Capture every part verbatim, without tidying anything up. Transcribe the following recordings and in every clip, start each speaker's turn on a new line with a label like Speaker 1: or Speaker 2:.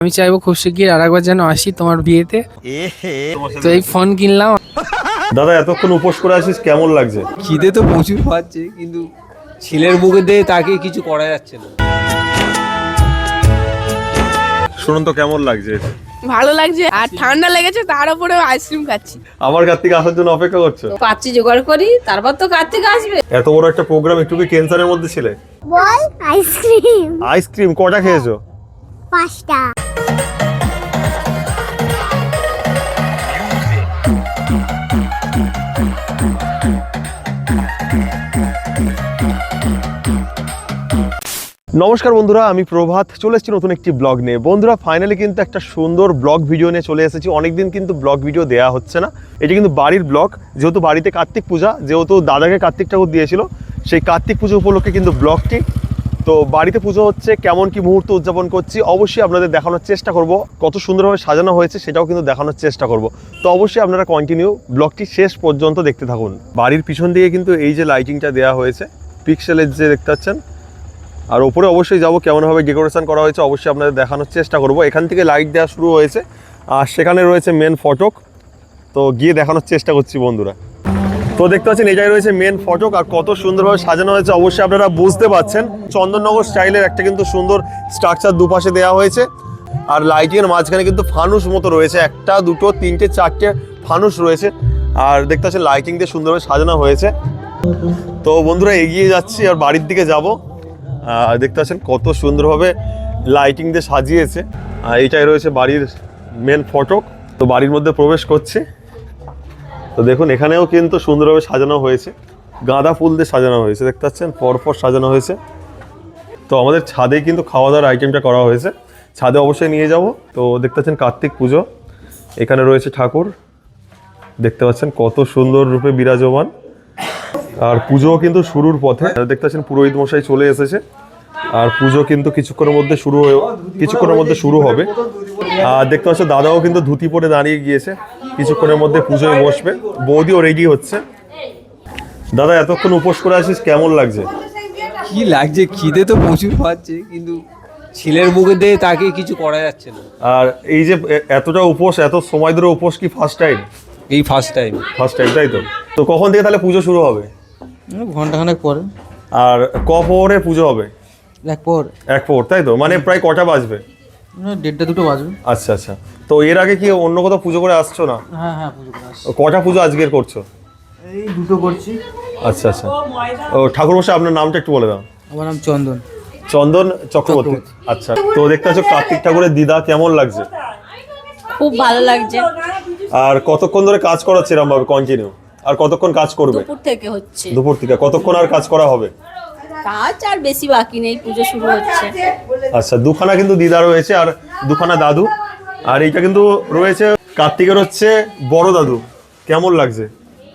Speaker 1: আমি চাইবো খুব শিগগির আরেকবার যেন আসি তোমার বিয়েতে। তো এই ফোন কিনলাম।
Speaker 2: দাদা এতক্ষণ উপোস করে আসিস, কেমন লাগছে?
Speaker 3: খিদে তো প্রচুর পাচ্ছে, কিন্তু ছেলের মুখে দিয়ে তাকে কিছু করা যাচ্ছে না।
Speaker 2: শুনুন তো কেমন লাগছে?
Speaker 4: ভালো লাগছে, আর ঠান্ডা লেগেছে, তার উপরে আইসক্রিম খাচ্ছি।
Speaker 2: আমার কার্তিক আসার জন্য অপেক্ষা করছো?
Speaker 4: পাচ্ছি জোগাড় করি, তারপর তো কার্তিক আসবে।
Speaker 2: এত বড় একটা প্রোগ্রাম, একটু কি ক্যান্সারের মধ্যে ছিলে?
Speaker 5: বল আইসক্রিম
Speaker 2: আইসক্রিম কটা খেয়েছো?
Speaker 5: পাঁচটা।
Speaker 2: নমস্কার বন্ধুরা, আমি প্রভাত চলে এসেছি নতুন একটি ব্লগ নিয়ে। বন্ধুরা ফাইনালি কিন্তু একটা সুন্দর ব্লগ ভিডিও নিয়ে চলে এসেছি। অনেকদিন কিন্তু ব্লগ ভিডিও দেওয়া হচ্ছে না। এটি কিন্তু বাড়ির ব্লগ, যেহেতু বাড়িতে কার্তিক পূজা, যেহেতু দাদাকে কার্তিক ঠাকুর দিয়েছিল, সেই কার্তিক পুজো উপলক্ষে কিন্তু ব্লগটি। তো বাড়িতে পুজো হচ্ছে, কেমন কি মুহূর্ত উদযাপন করছি অবশ্যই আপনাদের দেখানোর চেষ্টা করব। কত সুন্দরভাবে সাজানো হয়েছে সেটাও কিন্তু দেখানোর চেষ্টা করব। তো অবশ্যই আপনারা কন্টিনিউ ব্লগটি শেষ পর্যন্ত দেখতে থাকুন। বাড়ির পিছন দিকে কিন্তু এই যে লাইটিংটা দেওয়া হয়েছে, পিক্সেলের যে দেখতে পাচ্ছেন, আর ওপরে অবশ্যই যাব কেমনভাবে ডেকোরেশন করা হয়েছে অবশ্যই আপনাদের দেখানোর চেষ্টা করব। এখান থেকে লাইট দেওয়া শুরু হয়েছে, আর সেখানে রয়েছে মেন ফটক। তো গিয়ে দেখানোর চেষ্টা করছি বন্ধুরা। তো দেখতে পাচ্ছেন এটাই রয়েছে মেন ফটক, আর কত সুন্দরভাবে সাজানো হয়েছে অবশ্যই আপনারা বুঝতে পারছেন। চন্দননগর স্টাইলের একটা কিন্তু সুন্দর স্ট্রাকচার দুপাশে দেওয়া হয়েছে, আর লাইটিংয়ের মাঝখানে কিন্তু ফানুস মতো রয়েছে, একটা দুটো তিনটে চারটে ফানুস রয়েছে, আর দেখতে পাচ্ছেন লাইটিং দিয়ে সুন্দরভাবে সাজানো হয়েছে। তো বন্ধুরা এগিয়ে যাচ্ছি আর বাড়ির দিকে যাব। দেখতে পাচ্ছেন কত সুন্দরভাবে লাইটিং দিয়ে সাজিয়েছে। এইটাই রয়েছে বাড়ির মেন ফটক। তো বাড়ির মধ্যে প্রবেশ করছে। তো দেখুন এখানেও কিন্তু সুন্দরভাবে সাজানো হয়েছে, গাঁদা ফুল দিয়ে সাজানো হয়েছে, দেখতে পাচ্ছেন পরপর সাজানো হয়েছে। তো আমাদের ছাদে কিন্তু খাওয়া দাওয়ার আইটেমটা করা হয়েছে, ছাদে অবশ্যই নিয়ে যাব। তো দেখতে পাচ্ছেন কার্তিক পুজো, এখানে রয়েছে ঠাকুর, দেখতে পাচ্ছেন কত সুন্দর রূপে বিরাজমান। আর পুজোও কিন্তু শুরুর পথে, দেখতে পাচ্ছেন পুরোহিত মশাই চলে এসেছে, আর পুজো কিন্তু কিছুক্ষণের মধ্যে শুরু হয়ে কিছুক্ষণের মধ্যে শুরু হবে। আর দেখতে পাচ্ছ দাদাও কিন্তু ধুতি পরে দাঁড়িয়ে গিয়েছে, কিছুক্ষণের মধ্যে পুজোয় বসবে। বৌদিও রেডি হচ্ছে। দাদা এতক্ষণ উপোস করে আসিস, কেমন লাগছে?
Speaker 3: কি লাগছে, খিদে তো প্রচুর পাচ্ছে, কিন্তু ছেলের মুখে দিয়ে তাকে কিছু করা যাচ্ছে না।
Speaker 2: আর এই যে এতটা উপোস, এত সময় ধরে উপোস কি ফার্স্ট টাইম?
Speaker 3: এই ফার্স্ট টাইম
Speaker 2: ফার্স্ট টাইম তাই তো। তো কখন থেকে তাহলে পুজো শুরু হবে?
Speaker 3: ঘন্টাখানেক পরে।
Speaker 2: আর ক প্রহরে পুজো হবে?
Speaker 3: এক পর
Speaker 2: এক প্রহর তাই তো, মানে প্রায় কটা বাজবে?
Speaker 3: দেড়টা দুটো বাজবে।
Speaker 2: আচ্ছা আচ্ছা। তো এর আগে কি অন্য কোথাও পুজো করে আসছো না?
Speaker 3: হ্যাঁ হ্যাঁ পুজো করে আসছি।
Speaker 2: কটা পুজো আজকের করছো?
Speaker 3: এই দুটো করছি।
Speaker 2: আচ্ছা আচ্ছা। ও ঠাকুর মশাই আপনার নামটা একটু বলে দাও।
Speaker 3: আমার নাম চন্দন
Speaker 2: চন্দন চক্রবর্তী। আচ্ছা। তো দেখতে পাচ্ছ কার্তিক ঠাকুরের দিদা, কেমন লাগছে?
Speaker 4: খুব ভালো লাগছে।
Speaker 2: আর কতক্ষণ ধরে কাজ করাচ্ছে এরকম ভাবে কন্টিনিউ? আর কতক্ষণ কাজ করবে?
Speaker 4: দুপুর থেকে হচ্ছে।
Speaker 2: দুপুর থেকে কতক্ষণ আর কাজ করা হবে?
Speaker 4: কাজ আর বেশি বাকি নেই, পুজো শুরু হচ্ছে।
Speaker 2: আচ্ছা। দুখানা কিন্তু দিদা রয়েছে আর দুখানা দাদু, আর এইটা কিন্তু রয়েছে কার্তিকের হচ্ছে বড় দাদু। কেমন লাগছে?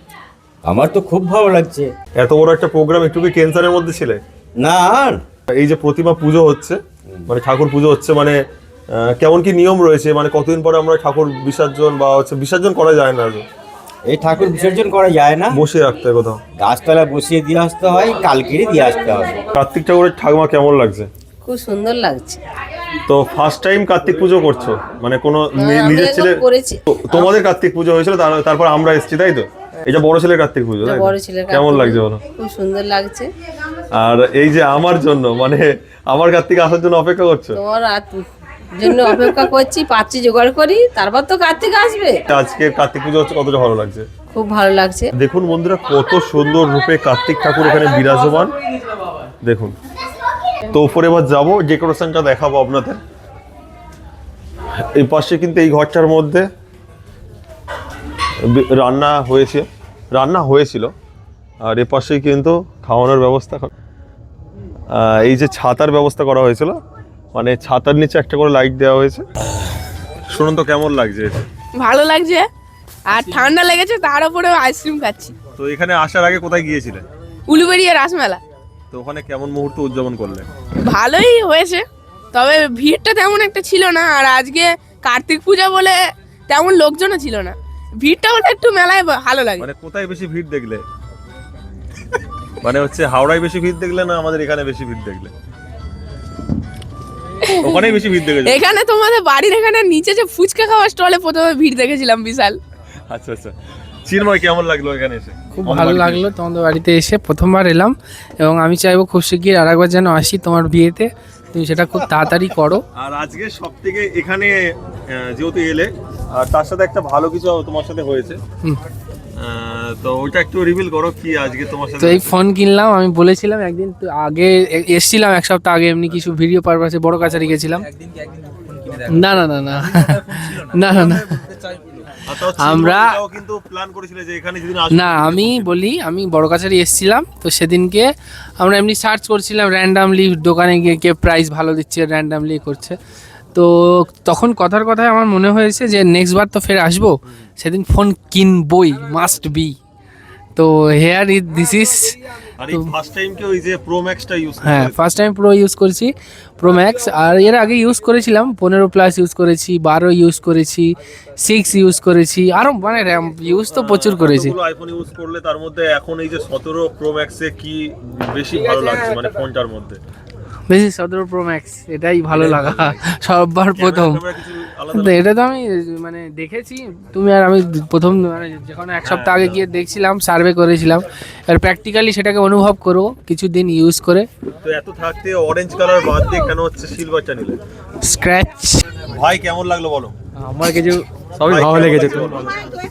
Speaker 6: আমার তো খুব ভালো লাগছে।
Speaker 2: এত বড় একটা প্রোগ্রাম, একটু কি ক্যান্সারের মধ্যে ছিলে?
Speaker 6: না,
Speaker 2: এই যে প্রতিমা পুজো হচ্ছে, মানে ঠাকুর পুজো হচ্ছে, মানে আহ, কেমন কি নিয়ম রয়েছে? মানে কতদিন পরে আমরা ঠাকুর বিসর্জন বা হচ্ছে বিসর্জন করা যায় না,
Speaker 6: এই ঠাকুর বিসর্জন করা যায় না,
Speaker 2: বসিয়ে রাখতে হয় কোথাও,
Speaker 6: গাছতলায় বসিয়ে দিয়ে আসতে হয়, কালকেরই দিয়ে আসতে হবে।
Speaker 2: কার্তিক ঠাকুরের ঠাকুমা কেমন লাগছে?
Speaker 4: খুব সুন্দর লাগছে।
Speaker 2: তো ফার্স্ট টাইম কার্তিক পুজো করছো, মানে কোনো নি- নিজের ছেলে?
Speaker 4: করেছি।
Speaker 2: তো- তোমাদের কার্তিক পুজো হয়েছিল, তার- তারপর আমরা এসেছি তাই তো? এটা বড় ছেলের কার্তিক পুজো তাই তো?
Speaker 4: বড় ছেলের
Speaker 2: কেমন লাগছে বলো?
Speaker 4: খুব সুন্দর লাগছে।
Speaker 2: আর এই যে আমার জন্য, মানে আমার কার্তিক আসার জন্য অপেক্ষা করছো?
Speaker 4: তোমার আর জন্য অপেক্ষা করছি, পাচ্ছি জোগাড় করি, তারপর তো কার্তিক আসবে।
Speaker 2: আজকে কার্তিক পুজো হচ্ছে, কতটা ভালো লাগছে?
Speaker 4: খুব ভালো লাগছে।
Speaker 2: দেখুন বন্ধুরা কত সুন্দর রূপে কার্তিক ঠাকুর এখানে বিরাজমান, দেখুন। তো উপরে এবার যাবো, ডেকোরেশনটা দেখাবো আপনাদের। এই পাশে কিন্তু এই ঘরটার মধ্যে রান্না হয়েছে, রান্না হয়েছিল, আর এ পাশেই কিন্তু খাওয়ানোর ব্যবস্থা। আহ, এই যে ছাতার ব্যবস্থা করা হয়েছিল, মানে ছাতার নিচে একটা করে লাইট দেওয়া হয়েছে। শুনুন তো কেমন লাগছে?
Speaker 4: ভালো লাগছে, আর ঠান্ডা লেগেছে, তার উপরে আইসক্রিম খাচ্ছি।
Speaker 2: তো এখানে আসার আগে কোথায় গিয়েছিলেন?
Speaker 4: উলুবেড়িয়া রাসমেলা।
Speaker 2: তো ওখানে কেমন মুহূর্ত উদযাপন করলেন?
Speaker 4: ভালোই হয়েছে, তবে ভিড়টা তেমন একটা ছিল না, আর আজকে কার্তিক পূজা বলে তেমন লোকজনও ছিল না। ভিড়টা হলে একটু মেলায় ভালো লাগে।
Speaker 2: মানে কোথায় বেশি ভিড় দেখলে? মানে হচ্ছে হাওড়ায় বেশি ভিড় দেখলে না আমাদের এখানে বেশি ভিড় দেখলে? ওখানেই বেশি ভিড় দেখেছো?
Speaker 4: এখানে তোমাদের বাড়ির এখানে নিচে যে ফুচকা খাওয়ার স্টলে প্রথমে ভিড় দেখেছিলাম বিশাল।
Speaker 2: আচ্ছা আচ্ছা, চিন্ময় কেমন লাগলো এখানে এসে?
Speaker 1: খুব ভালো লাগলো তোমাদের বাড়িতে এসে, প্রথমবার এলাম এবং আমি চাইবো খুব শিগগির আর একবার যেন আসি তোমার বিয়েতে, তুমি সেটা খুব তাড়াতাড়ি করো।
Speaker 2: আর আজকে সব থেকে এখানে আহ, যেহেতু এলে আর তার সাথে একটা ভালো কিছু তোমার সাথে হয়েছে,
Speaker 1: হুম।
Speaker 2: আহ, তো ওইটা একটু রিভিল করো কি আজকে তোমার সাথে।
Speaker 1: তো এই ফোন কিনলাম, আমি বলেছিলাম একদিন তো আগে এ- এসছিলাম এক সপ্তাহ আগে, এমনি কিছু ভিডিও পারপাসে বড় কাছারি গেছিলাম। না না না না না না না
Speaker 2: আর তাও চিন্ময়
Speaker 1: আমরা-
Speaker 2: এটাও কিন্তু প্ল্যান করেছিলে যে এখানে যদি
Speaker 1: না আমি বলি, আমি বড় কাছারি এসছিলাম তো সেদিনকে আমরা এমনি সার্চ করছিলাম র্যান্ডামলি, দোকানে গিয়ে কে প্রাইস ভালো দিচ্ছে র্যান্ডামলি করছে, তো তখন কথার কথায় আমার মনে হয়েছে যে নেক্সট বার তো ফের আসবো, সেদিন ফোন কিনবই, মাস্ট বি। তো হেয়ার ইজ দিস ইজ,
Speaker 2: আর এই ফার্স্ট টাইম কি ওই যে প্রো ম্যাক্সটা ইউজ
Speaker 1: হ্যাঁ ফার্স্ট টাইম প্রো ইউজ করছি, প্রো ম্যাক্স। আর এর আগে ইউজ করেছিলাম পনেরো প্লাস ইউজ করেছি, বারো ইউজ করেছি, সিক্স ইউজ করেছি, আরও মানে র্যাম ইউজ তো প্রচুর করেছি।
Speaker 2: আইফোন ইউজ করলে তার মধ্যে এখন এই যে সতেরো প্রো ম্যাক্সে কি বেশি ভালো লাগছে মানে ফোনটার মধ্যে?
Speaker 1: বেশি সতেরো প্রো ম্যাক্স, এটাই ভালো লাগা সববার প্রথম।
Speaker 2: ক্যামেরা কিছু আলাদা
Speaker 1: তো এটা তো আমি মানে দেখেছি, তুমি আর আমি প্রথম মানে যখন এক সপ্তাহ আগে গিয়ে দেখছিলাম, সার্ভে করেছিলাম, আর প্র্যাকটিক্যালি সেটাকে অনুভব করো কিছুদিন ইউজ করে।
Speaker 2: তো এত থাকতে অরেঞ্জ কালার বাদ দিয়ে কেন হচ্ছে সিলভারটা নিলে?
Speaker 1: স্ক্র্যাচ
Speaker 2: ভাই কেমন লাগলো বলো?
Speaker 1: আমার কিছু সবই
Speaker 2: ভাই,
Speaker 1: ভালো
Speaker 2: কেমন
Speaker 1: লেগেছে।
Speaker 2: লাগছে বলো?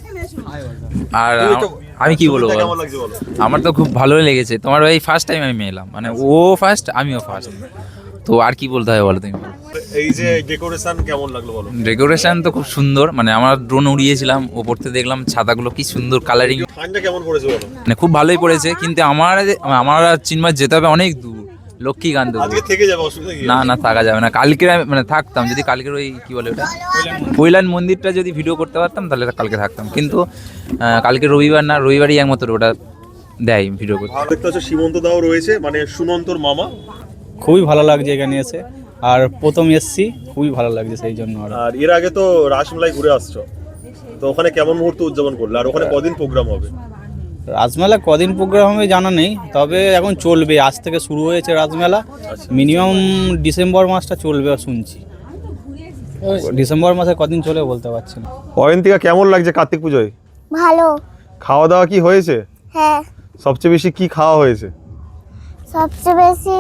Speaker 7: আর
Speaker 2: তুমি তো-
Speaker 7: আমি কি বলবো
Speaker 2: ছবিটা
Speaker 7: বলো?
Speaker 2: কেমন লাগছে বলো?
Speaker 7: আমার তো খুব ভালোই লেগেছে, তোমার ওই ফার্স্ট টাইম আমি এলাম, মানে ও ফার্স্ট আমিও ফার্স্ট, তো আর কি বলতে হবে বলো তুমি?
Speaker 2: এই যে ডেকোরেশন কেমন লাগলো বলো?
Speaker 7: ডেকোরেশন তো খুব সুন্দর, মানে আমরা ড্রোন উড়িয়েছিলাম, ওপর থেকে দেখলাম ছাতাগুলো কি সুন্দর কালারিং,
Speaker 2: ঠান্ডা কেমন পড়েছে বলো?
Speaker 7: মানে খুব ভালোই পড়েছে, কিন্তু আমার আমার আর চিন্ময় যেতে হবে অনেক দূর, লক্ষ্মীকান্ত।
Speaker 2: আজকে থেকে যাবে, অসুবিধা কি?
Speaker 7: না না থাকা যাবে না, কালকে আমি- মানে থাকতাম যদি কালকের ওই কি বলে ওটা কৈলান মন্দিরটা যদি ভিডিও করতে পারতাম তাহলে কালকে থাকতাম, কিন্তু আহ, কালকে রবিবার না, রবিবারই একমাত্র ওটা দেয় ভিডিও করতে।
Speaker 2: ভালো দেখতে হচ্ছে সীমন্ত দাও রয়েছে, মানে সুনন্তর মামা।
Speaker 8: খুবই ভালো লাগছে এখানে এসে, আর প্রথম এসছি খুবই ভালো লাগছে সেই জন্য। আর
Speaker 2: আর এর আগে তো রাসমেলায় ঘুরে আসছো, তো ওখানে কেমন মুহূর্ত উদযাপন করলে, আর ওখানে কদিন প্রোগ্রাম হবে?
Speaker 8: রাজমেলা কদিন প্রোগ্রাম হবে জানা নেই, তবে এখন চলবে, আজ থেকে শুরু হয়েছে রাজমেলা, মিনিমাম ডিসেম্বর মাসটা চলবে শুনছি। ডিসেম্বর মাসে কদিন চলে বলতে পারছি না।
Speaker 2: অয়ন্তিকা কেমন লাগছে কার্তিক পুজোয়?
Speaker 5: ভালো।
Speaker 2: খাওয়া দাওয়া কি হয়েছে?
Speaker 5: হ্যাঁ,
Speaker 2: সবচেয়ে বেশি কি খাওয়া হয়েছে?
Speaker 5: সবচেয়ে বেশি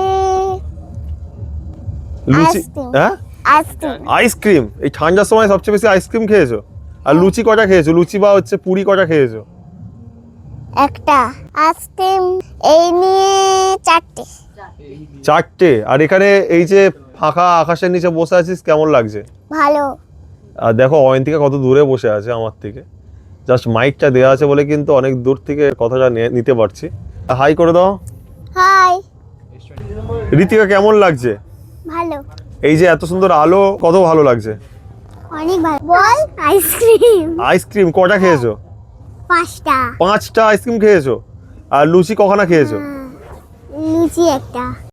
Speaker 2: লুচি?
Speaker 5: আইসক্রিম।
Speaker 2: হ্যাঁ,
Speaker 5: আইসক্রিম।
Speaker 2: আইসক্রিম। এই ঠান্ডার সময় সবচেয়ে বেশি আইসক্রিম খেয়েছো? আর লুচি কটা খেয়েছো? লুচি বা হচ্ছে পুরি কটা খেয়েছো?
Speaker 5: একটা আইসক্রিম এই নিয়ে চারটে।
Speaker 2: চারটে। আর এখানে এই যে ফাঁকা আকাশের নিচে বসে আছিস, কেমন লাগছে?
Speaker 5: ভালো।
Speaker 2: আর দেখো অয়ন্তিকা কত দূরে বসে আছে আমার থেকে, জাস্ট মাইকটা দেওয়া আছে বলে কিন্তু অনেক দূর থেকে কথাটা নে- নিতে পারছি। হাই করে দাও।
Speaker 5: হাই।
Speaker 2: ঋতিকা কেমন লাগছে?
Speaker 5: ভালো।
Speaker 2: এই যে এত সুন্দর আলো, কত ভালো লাগছে।
Speaker 5: অনেক ভালো। বল আইসক্রিম
Speaker 2: আইসক্রিম কটা খেয়েছো?
Speaker 5: পাঁচটা।
Speaker 2: পাঁচটা আইসক্রিম খেয়েছো। আর লুচি কখানা খেয়েছো?
Speaker 5: লুচি একটা।